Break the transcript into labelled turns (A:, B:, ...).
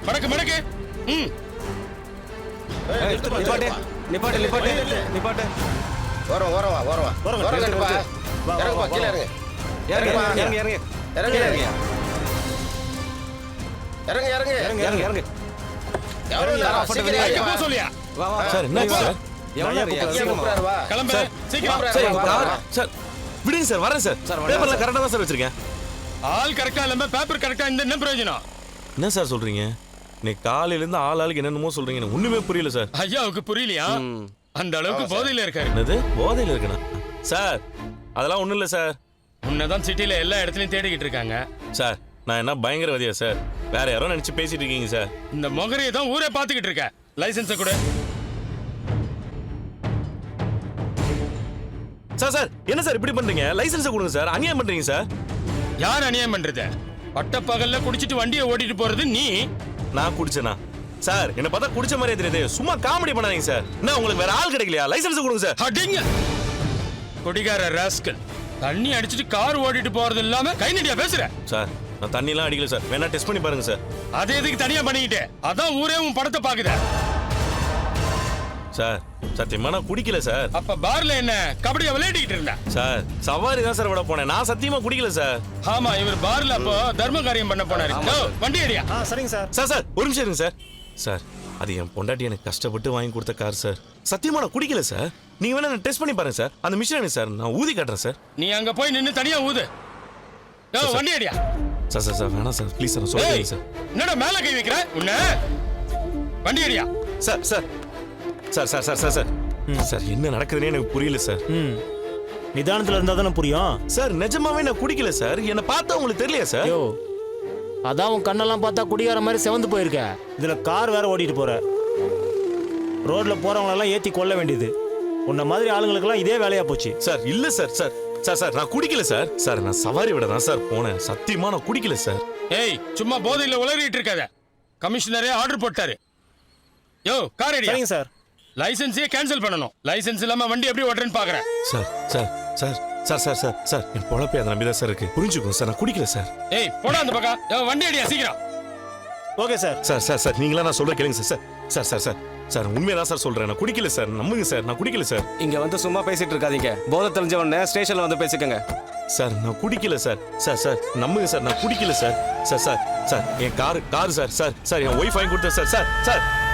A: மடக்கு மடக்கு. ம்.
B: நிப்பாட்டு நிப்பாட்டு நிப்பாட்டு நிப்பாட்டு.
C: ஓரம் ஓரவா ஓரவா ஓரம் கட்டுப்பா. இறங்குப்பா கீழே இறங்கு.
B: இறங்கு இறங்கு இறங்கு
C: இறங்கு
B: இறங்கு
C: இறங்கு இறங்கு
B: இறங்கு இறங்கு இறங்கு.
C: எவ்வளவு நேரம்? சீக்கிரம்
A: எங்க
C: இறங்கு.
A: போக சொல்லியா?
B: வா வா
D: சார் என்ன சார்?
B: எவ்வளவு நேரம்?
C: இங்கே
B: சீக்கிரமா.
C: கூப்பிடுறாரு, வா.
A: கிளம்பு சீக்கிரம்.
D: சார்
C: வா, வா, வா.
D: சார் விடுங்க சார், வரேன் சார்.
B: சார்,
D: பேப்பர்ல கரெக்டா தான் சார் வச்சிருக்கேன்.
A: ஆள் கரெக்டா இல்லாம பேப்பர் கரெக்டா இந்த என்ன பிரயோஜனம்?
D: என்ன சார் சொல்றீங்க? இன்னைக்கு காலையில இருந்து ஆளுக்கு என்னென்னமோ சொல்றீங்க, எனக்கு ஒண்ணுமே புரியல சார்.
A: ஐயாவுக்கு புரியலையா? அந்த அளவுக்கு போதையில இருக்காரு.
D: என்னது போதையில இருக்கணும் சார்? அதெல்லாம் ஒண்ணும் இல்ல சார்.
A: உன்னதான் சிட்டில எல்லா இடத்துலயும் தேடிக்கிட்டு இருக்காங்க.
D: சார் நான் என்ன பயங்கரவாதியா சார்? வேற யாரோ நினைச்சு பேசிட்டு இருக்கீங்க சார்.
A: இந்த மொகரையை தான் ஊரே பாத்துக்கிட்டு இருக்க. லைசன்ஸ கூட.
D: சார் சார் என்ன சார் இப்படி பண்றீங்க? லைசன்ஸ் கொடுங்க சார். அநியாயம் பண்றீங்க சார்.
A: யார் அநியாயம் பண்றது? பட்டப்பகல்ல குடிச்சிட்டு வண்டியை ஓட்டிட்டு போறது நீ.
D: நான் குடிச்சேனா? சார் என்ன பார்த்தா குடிச்ச மாதிரியே தெரியுது. சும்மா காமெடி பண்ணாதீங்க சார். என்ன உங்களுக்கு வேற ஆள் கிடைக்கலையா? லைசன்ஸ் கொடுங்க சார்.
A: அடிங்க குடிகார ராஸ்கல். தண்ணி அடிச்சிட்டு கார் ஓட்டிட்டு போறது இல்லாம கை நடியா பேசுற.
D: சார் நான் தண்ணிலாம் அடிக்கல சார். வேணா டெஸ்ட் பண்ணி பாருங்க சார்.
A: அது எதுக்கு தனியா பண்ணிக்கிட்டு? அதான் ஊரே உன் படத்தை பாக்குத.
D: சார் சத்தியமா நான் குடிக்கல சார்.
A: அப்ப பார்ல என்ன கபடியா விளையாடிக்கிட்டு இருந்த?
D: சார் சவாரி தான் சார் விட போனேன். நான் சத்தியமா குடிக்கல சார்.
A: ஆமா இவர் பார்ல அப்போ தர்ம காரியம் பண்ண போனாரு. வண்டி அடியா.
B: சரிங்க சார்.
D: சார் சார் ஒரு நிமிஷம் இருங்க சார். சார் அது என் பொண்டாட்டி எனக்கு கஷ்டப்பட்டு வாங்கி கொடுத்த கார் சார். சத்தியமா நான் குடிக்கல சார். நீங்க வேணா டெஸ்ட் பண்ணி பாருங்க சார். அந்த மிஷின் சார் நான் ஊதி காட்டுறேன் சார்.
A: நீ அங்க போய் நின்னு தனியா ஊது. வண்டி அடியா.
D: சார் சார் சார் வேணாம் சார் ப்ளீஸ் சார் சொல்லுங்க சார்.
A: என்னடா மேல கை வைக்கிற? உன்ன வண்டி அடியா.
D: Sir sir sir sir sir sir sir sir என்ன நடக்குதுன்னே எனக்கு புரியல சார்.
E: நிதானத்துல இருந்தா தானே புரியும்.
D: சார் நிஜமாவே நான் குடிக்கல சார். என்ன பார்த்தா உங்களுக்கு தெரியலையா சார்?
E: ஐயோ அதான் உன் கண்ணெல்லாம் பார்த்தா குடிகார மாதிரி செவந்து போயிருக்க. இதுல கார் வேற ஓட்டிட்டு போற. ரோட்ல போறவங்களெல்லாம் ஏத்தி கொல்ல வேண்டியது. உன்ன மாதிரி ஆளுங்களுக்கெல்லாம் இதே வேலையா போச்சு.
D: சார் இல்ல சார். சார் சார் சார் நான் குடிக்கல சார். சார் நான் சவாரி விட தான் சார் போனேன். சத்தியமா நான் குடிக்கல சார்.
A: ஏய் சும்மா போதையில உளறிட்டு இருக்காத. கமிஷனரே ஆர்டர் போட்டாரு. யோ கார் அடியா.
E: சரிங்க சார்.
A: லைசென்ஸே கேன்சல் பண்ணணும். லைசென்ஸ் இல்லாம வண்டி எப்படி ஓட்டுறேன்னு பாக்குறேன்.
D: Sir sir sir sir sir sir sir என் பொழப்பே அதை நம்பிதான் சார் இருக்கு. புரிஞ்சுக்கோங்க சார் நான் குடிக்கல சார்.
A: ஏய் போடா அந்த பக்கம். வண்டி அடியா சீக்கிரம்.
E: Okay sir.
D: Sir sir sir நீங்களா நான் சொல்ற கேளுங்க sir. Sir sir sir sir உண்மையதான் சார் சொல்றேன். நான் குடிக்கல சார். நம்புங்க சார் நான் குடிக்கல சார்.
B: இங்க வந்து சும்மா பேசிட்டு இருக்காதீங்க. போதை தெரிஞ்ச உடனே ஸ்டேஷன்ல வந்து பேசிக்கங்க.
D: சார் நான் குடிக்கல சார். சார் சார் நம்புங்க சார் நான் குடிக்கல சார். சார் சார் சார் என் கார் சார். சார் சார் என் ஒய்ஃப் வாங்கி கொடுத்தேன் சார். Sir sir